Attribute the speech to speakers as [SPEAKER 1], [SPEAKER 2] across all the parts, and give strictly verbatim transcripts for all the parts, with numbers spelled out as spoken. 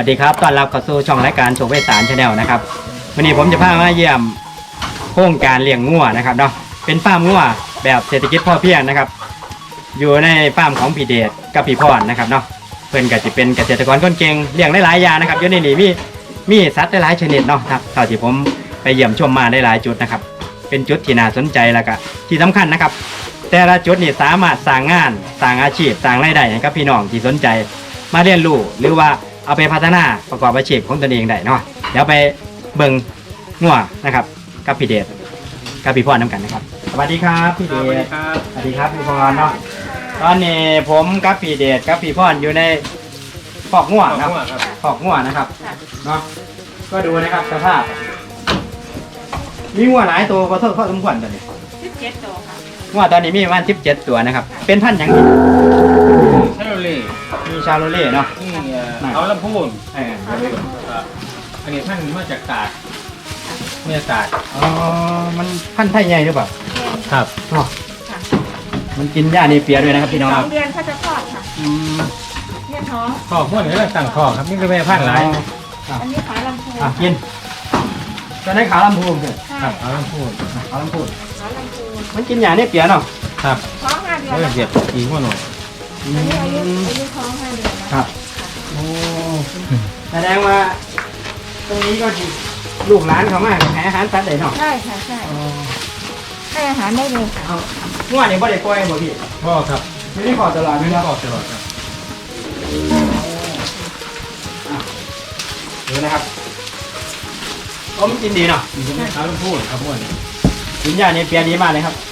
[SPEAKER 1] วัสดีครับต้อนรับเข้าสู่ช่องรายการโชว์เวสารชาแนลนะครับวันนี้ผมจะพามาเยี่ยมโครงการเลี้ยงงัวนะครับเนาะเป็นฟาร์มงัวแบบเศรษฐกิจพอเพียงนะครับอยู่ในฟาร์มของพี่เดชกับพี่พรนะครับเนาะเพิ่นก็จะเป็นเกษตรกรคนเก่งเลี้ยงหลายๆอย่างนะครับอยู่ในนี้มีมีสัตว์หลายชนิดเนาะครับเท่าที่ผมไปเยี่ยมชมมาได้หลายจุดนะครับเป็นจุดที่น่าสนใจแล้วก็ที่สำคัญนะครับแต่ละจุดนี่สามารถสร้างงานสร้างอาชีพสร้างรายได้ให้กับพี่น้องที่สนใจมาเรียนรู้หรือว่าเอาไปพัฒนาประกอบอาชีพของตนเองได้เนาะเดี๋ยวไปเบิ่งงัวนะครับกับพี่เดชกับพี่พรน้ำกันนะครับสวัสดีครับพี่เดชสวัสดีครับพี่พรเนาะตอนนี้ผมกับพี่เดชกับพี่พรอยู่ในคอกงัวนะครับคอกงัวนะครับเนาะก็ดูนะครับสภาพมีงัวหลายตัวพอเท่าพอสมควรตอนนี้
[SPEAKER 2] สิบเจ็ดตัวค่ะ
[SPEAKER 1] งัวตอนนี้มีประมาณสิบเจ็ดตัวนะครับเป็นพันธุ์อย่างนี้
[SPEAKER 3] ชาโลเล่
[SPEAKER 1] มีชาโลเล่เนาะ
[SPEAKER 3] นี่เอาลำพูน
[SPEAKER 1] เออ
[SPEAKER 3] อันนี้ท่านมาจากตาดเมียตาด
[SPEAKER 1] อ๋อมันพันธุ์ไทยใหญ่หรือเปล่า
[SPEAKER 3] ครับ
[SPEAKER 1] อ๋อมันกินหญ้าในเปียด้วยนะครับพี่น้อง
[SPEAKER 2] สองเดือนเขาจะคลอดค่ะ
[SPEAKER 1] อืม
[SPEAKER 2] เนี่ยท้อง
[SPEAKER 3] ขอบม้วนนี่เราสั่งขอบครับนี่คือแม่พันธุ์หลาย
[SPEAKER 2] อันนี้ขาลำพูน
[SPEAKER 1] อ่ะกินตอนนี้ขาลำพูนเลย
[SPEAKER 3] ครับเอาลำพูน
[SPEAKER 1] ขาลำพูน
[SPEAKER 2] ขาลำพูน
[SPEAKER 1] มันกินหญ้าในเปียเนาะ
[SPEAKER 3] ครับ
[SPEAKER 2] ท้องห้าเดือน
[SPEAKER 3] แล้วเสียบอีกหัวหน่อย
[SPEAKER 2] อันนี้อายุอายุท้องห้าเดือนแล้ว
[SPEAKER 1] ครับโอ้แสดงว่าตรงนี้ก็ลูกหลานเขามากแพ้อาหารสัตว์ได้เนาะ
[SPEAKER 2] ใช่ค่ะใช่ให้อาหารได้เลยค่ะ
[SPEAKER 1] งัวนี่บ่ได้ปล่อยบ่พี่
[SPEAKER 3] พ่อครับ
[SPEAKER 1] ไม่ได้ขอตลอดไม่ได้
[SPEAKER 3] ขอตลอดครับ
[SPEAKER 1] ดูนะครับผมกินดีเนาะ
[SPEAKER 3] มีแม่ขาลำพูนครับม้วน
[SPEAKER 1] กินหญ้าในเปียดีมากเลยครับ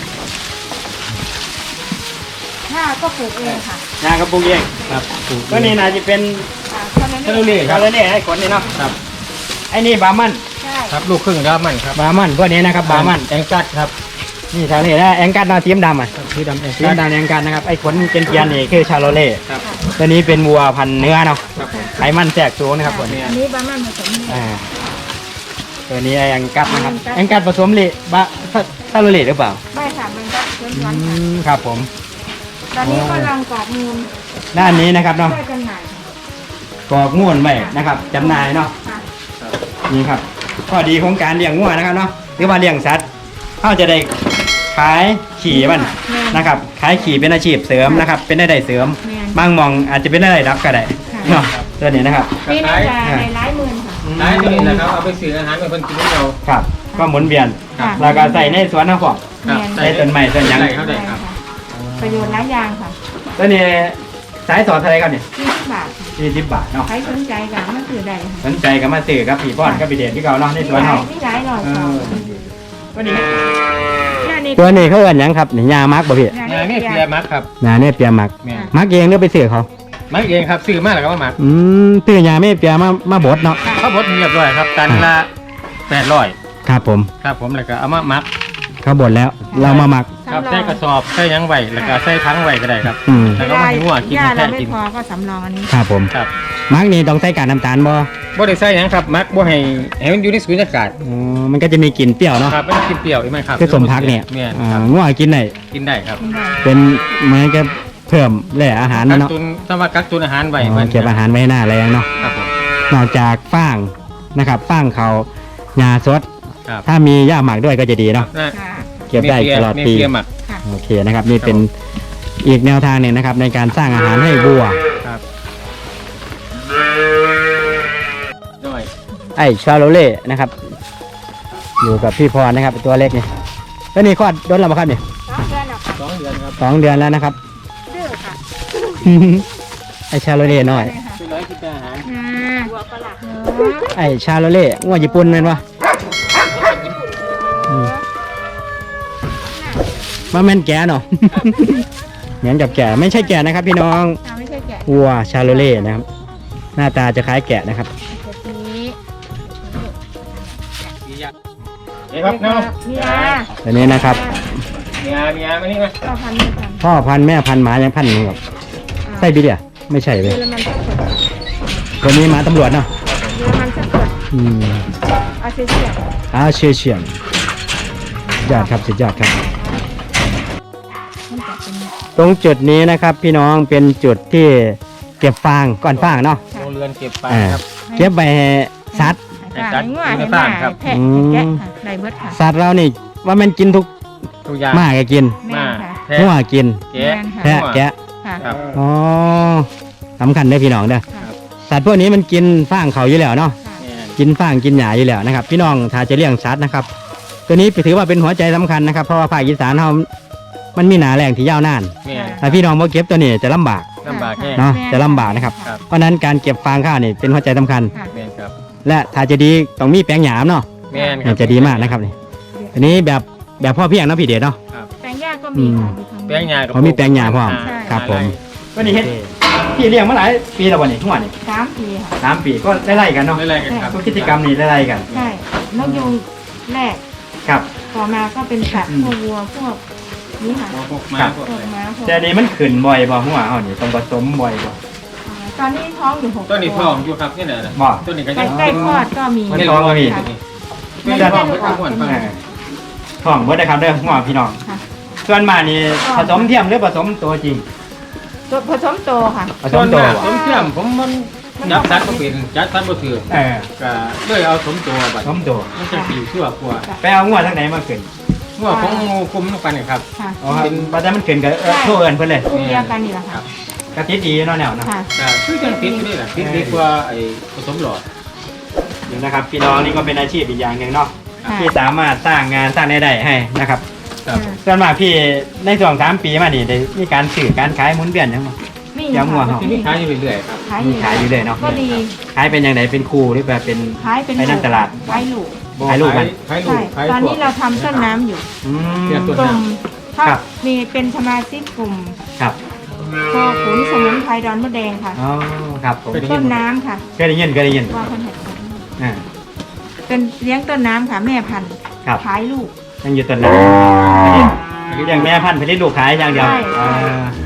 [SPEAKER 2] หญ้าก็ปลูกเองค่ะ
[SPEAKER 1] หญ้ากระปุกเอง
[SPEAKER 3] ครับ
[SPEAKER 1] ตัวนี้น่าจะเป็น
[SPEAKER 3] ชาโลเล่
[SPEAKER 1] ชาโลเล่ให้ขนนี่เนาะ
[SPEAKER 3] ครับ
[SPEAKER 1] ไอ้นี่บามัน
[SPEAKER 2] ใช่
[SPEAKER 3] ครับลูกครึ่งดามันครับ
[SPEAKER 1] บามันพวกนี้นะครับบามัน
[SPEAKER 3] แองกัดครับ
[SPEAKER 1] นี่ชาโลเล่นะแองกัดนาทีมดำอ่ะ
[SPEAKER 3] ทีดำแอง
[SPEAKER 1] ทีมดำแองกัดนะครับไอ้ขนเกลียนๆนี่คือชาโลเล่
[SPEAKER 3] ครับ
[SPEAKER 1] ตัวนี้เป็นวัวพันเนื้อเนาะไขมันแทรกสูงนะครับตัวนี้
[SPEAKER 2] อันนี้บามันผสม
[SPEAKER 1] อ่าตัวนี้แองกัดนะครับแองกัดผสมเล่บาชาโลเล่หรือเปล่า
[SPEAKER 2] ไม่ค่ะมันก็เชื้อวัน
[SPEAKER 1] ครับผม
[SPEAKER 2] ตอนนี้ก็ลังกรอกมูล
[SPEAKER 1] ด้านนี้นะครับเนาะ
[SPEAKER 2] ได้จำหน่าย
[SPEAKER 1] กรอกมูลไว้นะครับจำหน่ายเนาะนี่ครับข้อดีของการเลี้ยงงัวนะครับเนาะหรือว่าเลี้ยงสัตว์เขาจะได้ขายขี่มันนะครับขายขี่เป็นอาชีพเสริมนะครับเป็นได้ได้เสริมบางมองอาจจะเป็นได้รับก็ได้เนาะตัวนี้นะครับ
[SPEAKER 2] นี่น่าจะในหลายหมื่นค่ะ
[SPEAKER 3] หลายหมื่นนะครับเอาไปซื้ออาหารเป็นคนกินเรา
[SPEAKER 1] ครับก็หมุนเวียนแล้วก็ใส่ในสวนน้ำฟอกใส่ต้นไม้ต้นยัง
[SPEAKER 3] เข้าได้ครับ
[SPEAKER 2] ประโยชน์หลายอย่างค่ะ
[SPEAKER 1] ตัวนี้สายสอดอะไรครับเนี่ย
[SPEAKER 2] ยี่สิบบาท
[SPEAKER 1] ยี่สิบบาทเนาะ
[SPEAKER 2] ใครสนใจกันมาซื้อได้
[SPEAKER 1] สนใจก็มาซื้อครับพี่ป้อนก็พี่เดชที่เขาเนาะในสวนเนาะ
[SPEAKER 2] นี่หลายหน่อย
[SPEAKER 1] ตัวนี้ตัวนี้เขาเอิ้นยังครับนี่ยามักบ่พี่
[SPEAKER 3] ยาเนี่ยเปียมักครับ
[SPEAKER 1] ยาเนี่ยเปียมักมักเองหรือไปซื้อเขา
[SPEAKER 3] มักเองครับซื้อมาแล้วก็มามัก
[SPEAKER 1] อืมซื้อยาไม่เปียมามาบดเนาะ
[SPEAKER 3] เขาบดเรียบร้อยครับตันละแปดร้อย
[SPEAKER 1] ครับผม
[SPEAKER 3] ครับผมแล้วก็เอามามัก
[SPEAKER 1] เขาบดแล้วเรามามัก
[SPEAKER 3] ครับใส่กระสอบใส่ยังไหวแล้วก็ใส่ทั้งไหวก็ได้ครับแล้วก็มาให้หัวกินแค่กิน
[SPEAKER 2] พอก็สำรองอันนี้
[SPEAKER 1] ครับผม
[SPEAKER 3] ครับ
[SPEAKER 1] มักนี่ต้องใส่กากน้ำตาลบ่
[SPEAKER 3] บ่ได้ใส่ยังครับมักบ่ให้ให้มันอยู่ในสูญญากาศ
[SPEAKER 1] อ๋อมันก็จะมีกลิ่นเปรี้ยวเนาะ
[SPEAKER 3] ครับมันกินเปรี้ยวใช่ไหมครับ
[SPEAKER 1] คือสมพักเนี่ยอ่างัวกินได้
[SPEAKER 3] กินได้ครับ
[SPEAKER 1] เป็นเหมือนกับเพิ่มแหล่อาหารเนาะ
[SPEAKER 3] ถ้าว่ากักตุนอาหารไว้
[SPEAKER 1] เก็บอาหารไว้หน้าแรงเนาะ
[SPEAKER 3] ครับผม
[SPEAKER 1] นอกจากฟางนะครับฟางเขาหญ้าสดถ้ามีหญ้าหมักด้วยก็จะดีเนาะเก็บได้ตลอดปีโอเคนะครับนี่เป็นอีกแนวทางหนึ่งนะครับในการสร้างอาหารให้วัวไอ้ชาโลเล่นะครับอยู่กับพี่พรนะครับตัวเล็กนี่แล้วนี่คลอดโดนแล้วมั้งครับนี่
[SPEAKER 3] สองเดือนครับ
[SPEAKER 1] สองเดือนแล้วนะครับ
[SPEAKER 2] ดื้อค่ะ
[SPEAKER 1] ไอ้ชาโลเล่น้อย
[SPEAKER 3] คือร้อยกินอาหาร
[SPEAKER 2] วัวฝรั่ง
[SPEAKER 1] ไอ้ชาโลเล่งัวญี่ปุ่นเป็นวะมาแม่นแก่เนาะเหมือนกับแก่ไม่ใช่แก่นะครับพี่น้อง
[SPEAKER 2] ไม่ใช่แก่
[SPEAKER 1] วัวชาโลเล่นะครับหน้าตาจะคล้ายแกะนะครับ
[SPEAKER 3] นี่ครับน้อง
[SPEAKER 1] อันนี้นะครับ
[SPEAKER 3] เมียเมียมานี่มา
[SPEAKER 1] พ่อพันธุ์แม่พันธุ์หมายังพันธุ์นึงครับใช่พี่เดียไม่ใช่เลยตัวนี้หมาตำรวจเนาะอืมอาเชียนอาเชียนยอดครับสุดยอดครับตรงจุดนี้นะครับพี่น้องเป็นจุดที่เก็บฟางก้อนฟางเนาะ
[SPEAKER 3] อนเก็บไป
[SPEAKER 1] อ่า
[SPEAKER 3] ครับ
[SPEAKER 1] เก็บไปให้สัตว์
[SPEAKER 2] ให้ปลาให้งัวให้ห
[SPEAKER 3] ให้
[SPEAKER 2] มา
[SPEAKER 3] สัตว์ครับ
[SPEAKER 2] ให้แพะ
[SPEAKER 1] อื
[SPEAKER 2] ให้
[SPEAKER 1] ม
[SPEAKER 2] แกะค่ะได้เบิดค่ะ
[SPEAKER 1] สัตว์เรานี่ว่ามันกินทุก
[SPEAKER 3] ทุกอย่าง
[SPEAKER 1] หมาก็กิน
[SPEAKER 2] แม่นค่ะ
[SPEAKER 3] แพะ
[SPEAKER 1] งัวกิน
[SPEAKER 3] แกะ
[SPEAKER 2] แม่นค่ะ
[SPEAKER 1] แพะแกะ
[SPEAKER 2] ค่ะ
[SPEAKER 3] ครับ
[SPEAKER 1] อ๋อสำคัญเด้อพี่น้องเด้อ
[SPEAKER 2] ค่ะ
[SPEAKER 1] สัตว์พวกนี้มันกินฟางเขาอยู่แล้วเนาะ
[SPEAKER 2] ค่ะ
[SPEAKER 3] แม่น
[SPEAKER 1] กินฟางกินหญ้าอยู่แล้วนะครับ พี่น้องถ้าจะเลี้ยงสัตว์นะครับ ตัวนี้ถือว่าเป็นหัวใจสำคัญนะครับ เพราะว่าภาคอีสานเรามันมีหนาแรงที่ยาวนาน
[SPEAKER 3] แม่น
[SPEAKER 1] ถ้าพี่น้องบ่เก็บตัวนี้จะลำบาก
[SPEAKER 3] ลำบากแค่
[SPEAKER 1] เนาะจะลำบากนะครับ
[SPEAKER 3] ครับ
[SPEAKER 1] เพราะฉะนั้นการเก็บฟางข้าวนี่เป็นหัวใจสำคัญ
[SPEAKER 2] ค่ะ
[SPEAKER 3] แม่นครับ
[SPEAKER 1] และถ้าจะดีต้องมีแปลงหยามเนาะ
[SPEAKER 3] แม่นครั
[SPEAKER 1] นี่จะดีมากนะครับนี่อันนี้แบบแบบพ่อเพียงเนาะพี่เดชเนาะ
[SPEAKER 2] แปลงหญ้าก็มีค่ะอยู่ทาง
[SPEAKER 3] แป้งยา
[SPEAKER 1] เขามีแปลงหญ้าพร้อม
[SPEAKER 2] ใช่
[SPEAKER 1] ครับผม
[SPEAKER 3] ไ
[SPEAKER 1] วันนี้เฮ็ดพี่เลี้ยงมาหลายปีแล้ววันนี้ทุกวันนี้
[SPEAKER 2] สามปีค่ะ
[SPEAKER 1] สามปีก็ไล่ๆกันเนาะ
[SPEAKER 3] ม่ไรกันครับ
[SPEAKER 1] ทุกกิจกรรมนี่ไล่ๆกัน
[SPEAKER 2] ใช่นกยูงแรก
[SPEAKER 1] ครับ
[SPEAKER 2] ต่อมาก็เป็นสัตว์
[SPEAKER 1] อืม
[SPEAKER 2] พวกวัวพวกนี้ค่ะ
[SPEAKER 3] พวกม้าพวก
[SPEAKER 2] พว
[SPEAKER 3] อะ
[SPEAKER 2] ก
[SPEAKER 3] ไร
[SPEAKER 2] ม้าพวก
[SPEAKER 1] แต่อันนี้มันขึ้นบ่อยบ่หัวเฮานี่ต้องผสมบ่อยบ่
[SPEAKER 2] อ่าตอนนี้ท้องอยู่หก
[SPEAKER 3] ต้นนี้ท้องอยู่ครับนี่แหละนะ
[SPEAKER 1] บ่
[SPEAKER 3] ต้นนี้ก็
[SPEAKER 2] ใก
[SPEAKER 3] ยั
[SPEAKER 2] ล้
[SPEAKER 3] ง
[SPEAKER 2] ใกล้คลอดก็มี
[SPEAKER 1] มันท้องก็มี
[SPEAKER 2] ค่ะ
[SPEAKER 3] ไม่ได้ท้องไม่ท้องหวนฟัง
[SPEAKER 1] เออท้องเบิดนะครับเด้อหัวพี่น้อง
[SPEAKER 2] ค่ะ
[SPEAKER 1] ส่วนมากนี่ผสมเทียมหรือผสมตัวจริง
[SPEAKER 2] ตัวผสมโตค่ะ
[SPEAKER 1] ผส
[SPEAKER 3] ต้
[SPEAKER 1] ม
[SPEAKER 3] น
[SPEAKER 1] ตัว
[SPEAKER 3] มากผมเชื่อมผมมันยับสัตว์ก็เป็นจัดสัตว์บ่ถือ
[SPEAKER 1] เออ
[SPEAKER 3] ก็เลยเอาสมตัวบั
[SPEAKER 1] ผ
[SPEAKER 3] ด
[SPEAKER 1] สมตัว
[SPEAKER 3] มันจะปีชั่วกว่า
[SPEAKER 1] ไปเอาหัวทางไหนมาขึ้น
[SPEAKER 3] หัวของงูคุมลงไปนี่ครับ
[SPEAKER 2] ค่ะ
[SPEAKER 1] อ๋อครับบัดนั้นมันขึ้นก็เออโทรเอิ้นเพิ่นเลย
[SPEAKER 2] กลุ่มเดียวกันนี่แหละค่ะ
[SPEAKER 1] กะติดดีเนาะแนวเนาะ
[SPEAKER 2] ค่ะ
[SPEAKER 3] ก็คือจังติดนี่แหละติดดีกว่าไอ้ผสมหลอด
[SPEAKER 1] นี่นะครับพี่น้องนี่ก็เป็นอาชีพอีกอย่างหนึ่งเนาะ
[SPEAKER 2] ค่ะ
[SPEAKER 1] ที่สามารถสร้างงานสร้างรายได้ให้นะครับ
[SPEAKER 3] ครับ
[SPEAKER 1] ส่วนมากพี่ในช่วงสามปีมานี่ได้มีการสื่อการขายหมุนเวียนยังไง
[SPEAKER 2] มี
[SPEAKER 1] ยำหัว
[SPEAKER 2] ค่ะ
[SPEAKER 3] ที่นี่ขายอยู่เรื่อยๆครับ
[SPEAKER 2] ขาย
[SPEAKER 1] มีขายอยู่เลยเนาะ
[SPEAKER 2] ก็ดี
[SPEAKER 1] ขายเป็นยังไงเป็นครูหรือแบบเป็น
[SPEAKER 2] ขายเป็น
[SPEAKER 1] ไปนั่งตลาด
[SPEAKER 2] ขายลูก
[SPEAKER 1] ขายลูกมัน
[SPEAKER 3] ขายลู
[SPEAKER 2] ใช่
[SPEAKER 3] กขาย
[SPEAKER 2] ตอน
[SPEAKER 3] พว
[SPEAKER 2] นี้
[SPEAKER 3] ก
[SPEAKER 2] เราทำต้นน้ำอยู่
[SPEAKER 1] อืม
[SPEAKER 3] เรียกตัว
[SPEAKER 2] กลุ่มถ้า
[SPEAKER 1] ครับ
[SPEAKER 2] มีเป็นสมาชิกกลุ่ม
[SPEAKER 1] ครับ
[SPEAKER 2] พอขุนสมุนไพรดอนมะแดงค่ะ
[SPEAKER 1] อ๋อครับผม
[SPEAKER 2] ต้นน้ำค่ะ
[SPEAKER 1] เคยได้ยินเคยได้ยิน
[SPEAKER 2] ว่าคนเห็น
[SPEAKER 1] อ่า
[SPEAKER 2] เป็นเลี้ยงต้นน้ำค่ะ แม่พันธุ์
[SPEAKER 1] ครับ
[SPEAKER 2] ขายลูก
[SPEAKER 1] ยังอยู่ต้นน้ำอย่างแม่พันธุ์ผลิตลูกขายอย่างเดียว
[SPEAKER 2] ใช่
[SPEAKER 1] อ่า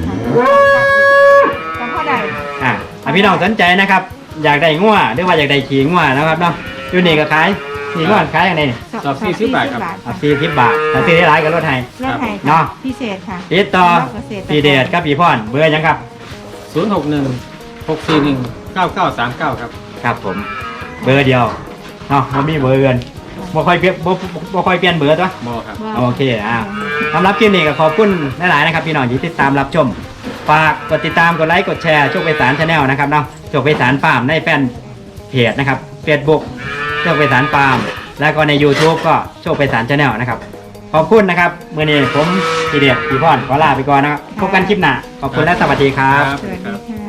[SPEAKER 2] แต่พ่อใด
[SPEAKER 1] อ่าอ่ะพี่น้องสนใจนะครับ อยากได้งัวหรือว่าอยากได้ขี่งัวนะครับเนาะอยู่นี่ก็ขายขี่งัวขายอย่างไรนี่
[SPEAKER 3] สอบสี่สิบบาทครับ
[SPEAKER 1] อ่ะสี่สิบบาทถ้าซื้อได้หลายก็ลดให้
[SPEAKER 2] รถไถ
[SPEAKER 1] เนาะ
[SPEAKER 2] พิเศษค่ะ
[SPEAKER 1] ติดต่อ
[SPEAKER 2] สำหรับเกษตรกร
[SPEAKER 1] พี่เดชกับพี่พรเบอร์หยังครับ
[SPEAKER 3] ศูนย์หกหนึ่งหกสี่หนึ่งเก้าเก้าสามเก้าครับ
[SPEAKER 1] ครับผมเบอร์เดียวเนาะบ่มีเบอร์เกินบ่ค่อยเปลี่ยนบ่บ่บ่ค่อยเปลี่ยนเบอร์ตัว
[SPEAKER 3] มอครับ
[SPEAKER 2] ว่า
[SPEAKER 1] โอเคอ่าสำหรับคลิปนี้ก็ขอบคุณหลายๆนะครับพี่น้องที่ติดตามรับชมฝากกดติดตามกดไลค์กดแชร์โชคไพศาลชาแนลนะครับเนาะโชคไพศาลฟาร์มในแฟนเพจนะครับ Facebook โชคไพศาลฟาร์มแล้วก็ใน YouTube ก็โชคไพศาลชาแนลนะครับขอบคุณนะครับมื้อนี้ผมพี่เดชพี่พรขอลาไปก่อนนะครับพบกันคลิปหน้าขอบคุณและสวัสดีครับ
[SPEAKER 2] สวัสดีค่ะ